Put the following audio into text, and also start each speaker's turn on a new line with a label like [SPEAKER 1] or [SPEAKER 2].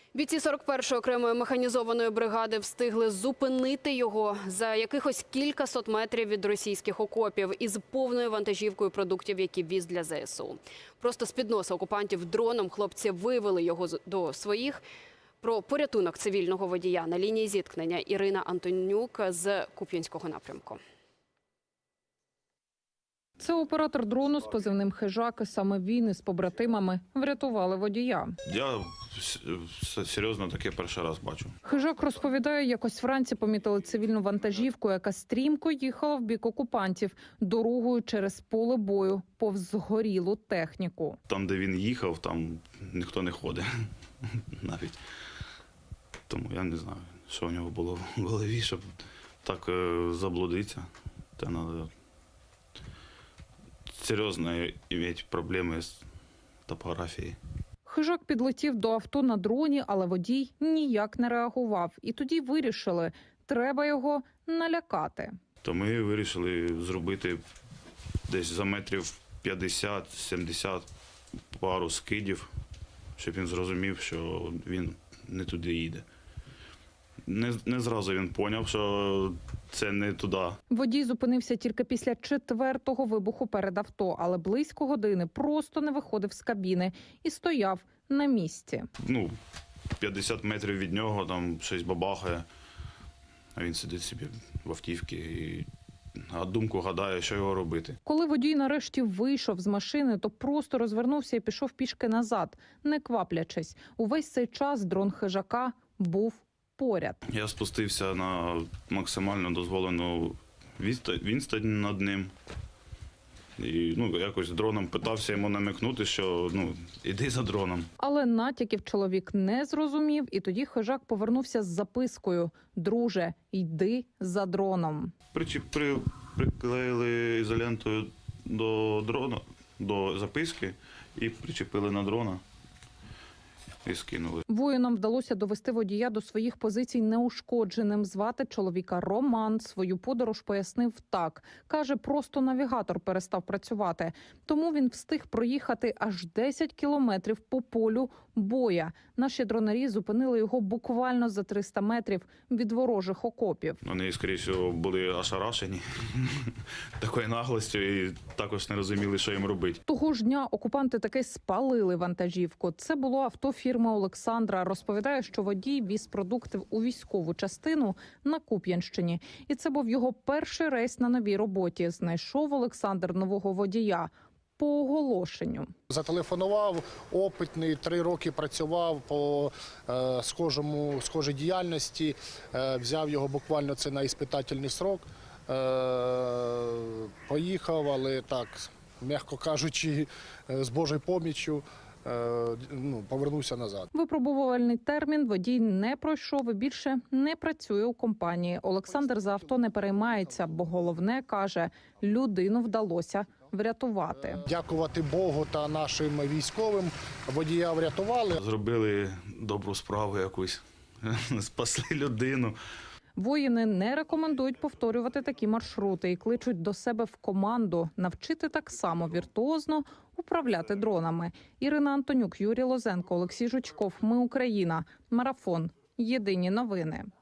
[SPEAKER 1] Бійці 41-ї окремої механізованої бригади встигли зупинити його за якихось кількасот метрів від російських окопів із повною вантажівкою продуктів, які віз для ЗСУ. Просто з-під носа окупантів дроном хлопці вивели його до своїх. Про порятунок цивільного водія на лінії зіткнення Ірина Антонюк з Куп'янського напрямку.
[SPEAKER 2] Це оператор дрону з позивним «Хижак». Саме він із побратимами врятували водія.
[SPEAKER 3] Я серйозно таке перший раз бачу.
[SPEAKER 2] Хижак розповідає, якось вранці помітили цивільну вантажівку, яка стрімко їхала в бік окупантів дорогою через поле бою повз згорілу техніку.
[SPEAKER 3] Там, де він їхав, там ніхто не ходить навіть. Тому я не знаю, що в нього було в голові, щоб так заблудитися. Та треба серйозно мати проблеми з топографією.
[SPEAKER 2] Хижак підлетів до авто на дроні, але водій ніяк не реагував. І тоді вирішили, треба його налякати.
[SPEAKER 3] То ми вирішили зробити десь за метрів 50-70 пару скидів, щоб він зрозумів, що він не туди їде. Не зразу він зрозумів, що це не туди.
[SPEAKER 2] Водій зупинився тільки після 4-го вибуху перед авто, але близько години просто не виходив з кабіни і стояв на місці.
[SPEAKER 3] 50 метрів від нього, там щось бабахає, а він сидить собі в автівці а думку гадає, що його робити.
[SPEAKER 2] Коли водій нарешті вийшов з машини, то просто розвернувся і пішов пішки назад, не кваплячись. Увесь цей час дрон хижака був поряд.
[SPEAKER 3] Я спустився на максимально дозволену відстань над ним. І якось дроном питався йому намікнути, що іди за дроном.
[SPEAKER 2] Але натяків чоловік не зрозумів, і тоді хижак повернувся з запискою: «Друже, йди за дроном».
[SPEAKER 3] Приклеїли ізолентою до дрона, до записки і причепили на дрона. І скинули.
[SPEAKER 2] Воїнам вдалося довести водія до своїх позицій неушкодженим. Звати чоловіка Роман. Свою подорож пояснив так. Каже, просто навігатор перестав працювати. Тому він встиг проїхати аж 10 кілометрів по полю боя. Наші дронарі зупинили його буквально за 300 метрів від ворожих окопів.
[SPEAKER 3] Вони, скоріше всього, були ошарашені такою наглостю і також не розуміли, що їм робити.
[SPEAKER 2] Того ж дня окупанти таки спалили вантажівку. Це було авто фірми Олександра. Розповідає, що водій віз продукти у військову частину на Куп'янщині. І це був його перший рейс на новій роботі. Знайшов Олександр нового водія по оголошенню.
[SPEAKER 4] Зателефонував, опитний, 3 роки працював по схожій діяльності, взяв його буквально це на іспитательний срок, поїхав, але так, м'яко кажучи, з Божою поміччю, повернувся назад.
[SPEAKER 2] Випробувальний термін водій не пройшов і більше не працює у компанії. Олександр за авто не переймається, бо головне, каже, людину вдалося врятувати.
[SPEAKER 4] Дякувати Богу та нашим військовим, водія врятували.
[SPEAKER 3] Зробили добру справу якусь, спасли людину.
[SPEAKER 2] Воїни не рекомендують повторювати такі маршрути і кличуть до себе в команду навчити так само віртуозно управляти дронами. Ірина Антонюк, Юрій Лозенко, Олексій Жучков. Ми Україна. Марафон. Єдині новини.